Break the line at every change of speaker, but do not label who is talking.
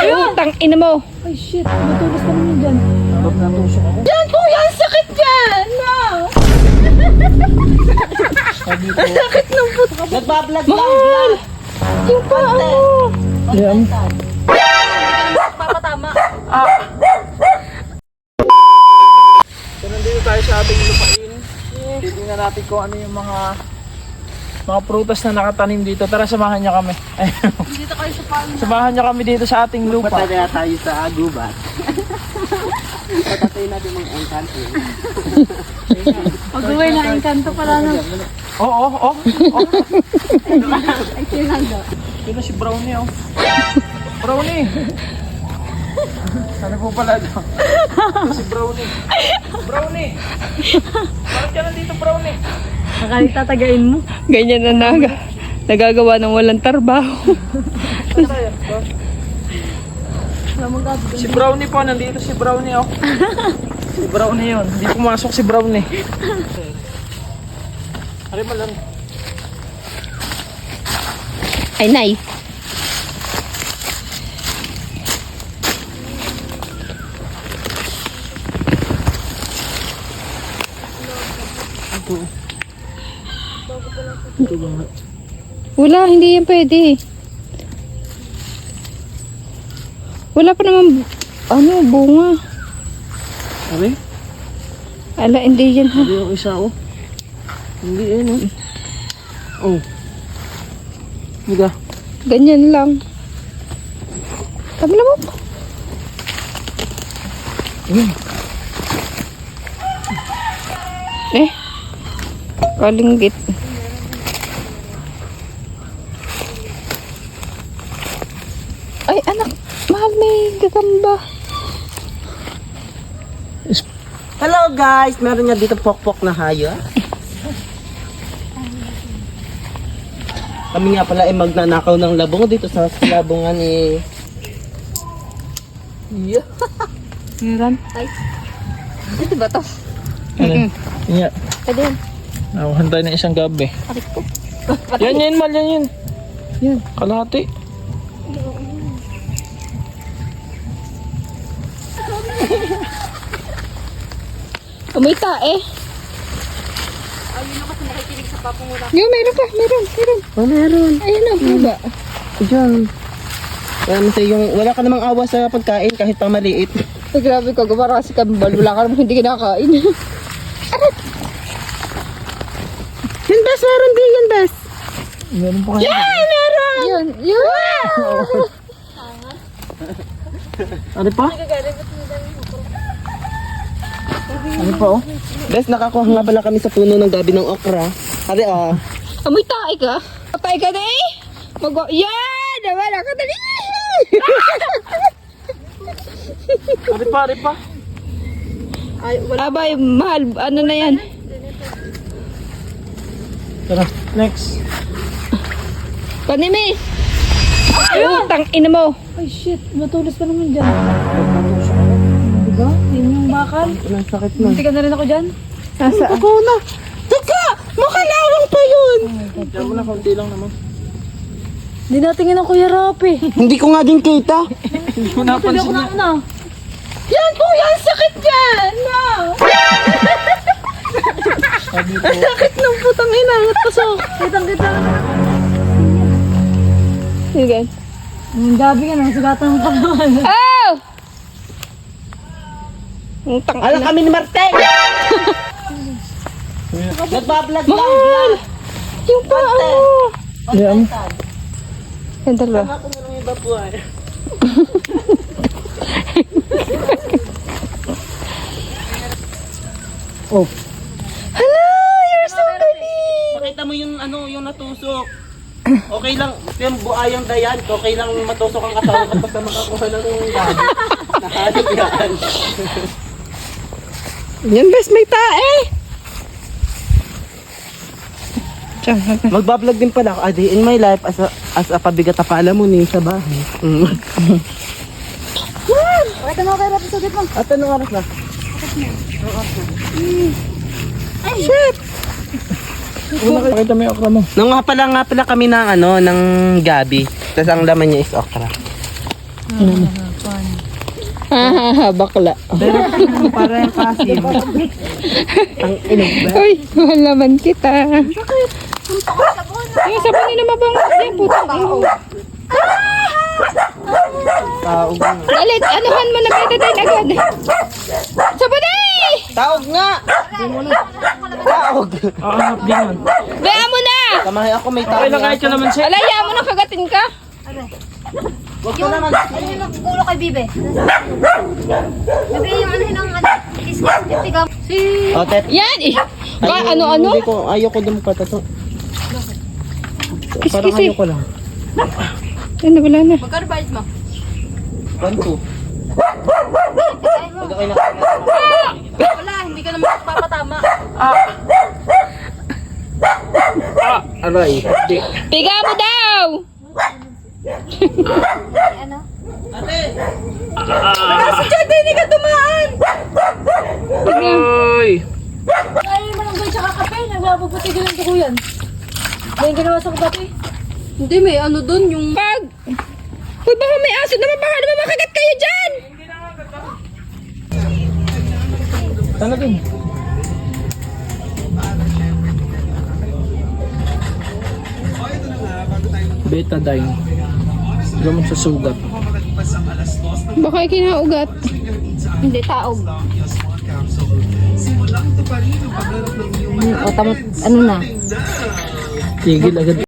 Utang ina mo.
Ay shit, matulas ka naman dyan.
Sabab na tusok ako.
Yan kuya, ang sakit dyan! No!
Sabi ko.
Ang sakit ng puto.
Nagbablog lang,
Mahal!
vlog.
Yung pa ano?
Yan.
Papatama.
So nandito tayo sa ating lupain. Titingnan natin kung ano yung mga prutas na nakatanim dito. Tara, samahan niya kami. Ayun.
Dito kayo sa palma.
Samahan niya kami dito sa ating lupa.
Patagaya tayo sa gubat. Patatay natin mga engkanto.
Pag-uwi na, engkanto pala na.
Oo, oo, oo.
Ay, sinanda.
Yun na si Brownie, oh. Brownie! Ano po pala ito? Si Brownie. Brownie! Bakit ka nandito, Brownie?
Nakalitatagain mo.
Ganyan na nagagawa ng walang trabaho.
Saan tayo? Si Brownie po, nandito si Brownie, oh. Si Brownie yun. Hindi pumasok si Brownie. Ari ba lang?
Ay, nice. Wala, hindi yan pwede. Wala pa naman, bunga.
Ari?
Ala, hindi yan ha.
Hindi yung isa, oh. Hindi yun, oh. Oh. Higa.
Ganyan lang. Tabla mo. Kalinggit. Ay, anak. Mahal, may gagamba.
Hello guys! Meron nga dito pokpok na hayop. Kami nga pala ay magnanakaw ng labong dito sa labongan eh. Yeah.
Meron? Ay. Ito ba to?
Ano? Yeah.
Pwede yan.
Nakuhan tayo ng isang gabi.
Arik ko.
Yan, yan, mal, yan, yan.
Yan.
Kalahati.
Umita eh. Yung meron pa, meron.
Oh, meron.
Ayun na, baba.
Diyan. Wala ka namang awa sa pagkain kahit pang maliit.
Ay, grabe ka, gumara kasi kambal. Wala ka naman hindi kinakain.
Yan bes, meron din yan bes.
Meron pa kayo.
Yun, yun.
Ano pa?
Ano pa, oh?
Bes, nakakuha nga pala kami sa puno ng gabi ng okra. Ate ah.
Amoy tae ka? Tae ka na eh. Yan! Wala ka na eh.
Ari pa.
Abay, mahal. Ano na yan?
Tara, next.
Panimi! Utang ina mo.
Ay shit, matulas ka naman dyan. Diba? Yan yung bakal.
Ang sakit na.
Hindi ka na rin ako dyan.
Nasa?
Ako na. Teka! Makalawang pa yun!
Diyan mo na, konti lang naman.
Hindi natingin ang Kuya Rapi.
Hindi ko nga din kita.
Hindi ko
Hindi
napansin
ako
niya.
na.
Yan kuya, ang sakit dyan. No.
Sabi ko,
Sakit ng putang ina. Pasok.
Kitang-kita na.
Sige.
Ang gabi ka na, sugatan mo pa naman.
Oh! Utang
Alam
ina.
kami ni Martel! Nagbablog lang,
Mahal!
vlog.
Yung pa ano?
yan.
Yan dalawa.
Ako na lang iba po ay.
Oh,
Hala, you're so galing.
Pakita mo yung ano, yung natusok. Okay lang, yung buayang dayan, okay lang matusok ang katawan kapag ka makakuha ng gabi. Nakalip yan.
Yan best, may tae. Diyan,
Magbablog din pala ako, a day in my life as a pabigat na paalamunin sa bahay.
Pakita mo kay Rapi, sugit mo.
At anong oras na?
Ay, shit!
una kayo. Pakita mo yung okra mo.
Nung nga pala kami ng ano, ng gabi. Tapos ang laman niya is okra.
Hahaha, bakla.
Para yung kasim. Ang inog ba?
Uy, mahal naman kita. Sakit. Yung sabon nila mabango. Yan, putang tao.
Taog nga.
Dalit, anuhan mo na betadine agad. Sabonay!
Taog nga! Taog!
Aanap din yun.
Bea mo na!
Kamahay ako may taog.
Okay lang kahit ka naman siya.
Alaya mo na kagatin ka.
Huwag ko naman.
Ano yung ulo kay Bibe? Bibe yung ano yung kiss-kiss titigam. Si...
O, tet.
Yan eh. Ano-ano?
Hindi ko, ayoko dumukata to. Parang
Kiss-kiss eh.
ayoko lang.
Ano, wala na.
Magkano bayad mo?
1-2. Pag ako'y
Wala, hindi ka naman papatama.
Aray. Di.
Piga mo daw!
Ano?
Hindi ka tumaan!
Aray.
Ay, malunggay tsaka kape. Nagpapaputigil ang dugo yan. May ginawa sa kape.
Hindi, may ano doon yung...
Pag... Uy, baka may aso naman. Baka naman makagat kayo dyan!
Talagang. Betadine. Gamot sa sugat.
Baka kinaugat. Hindi, taog.
O, tamot, ano na?
Tigil agad.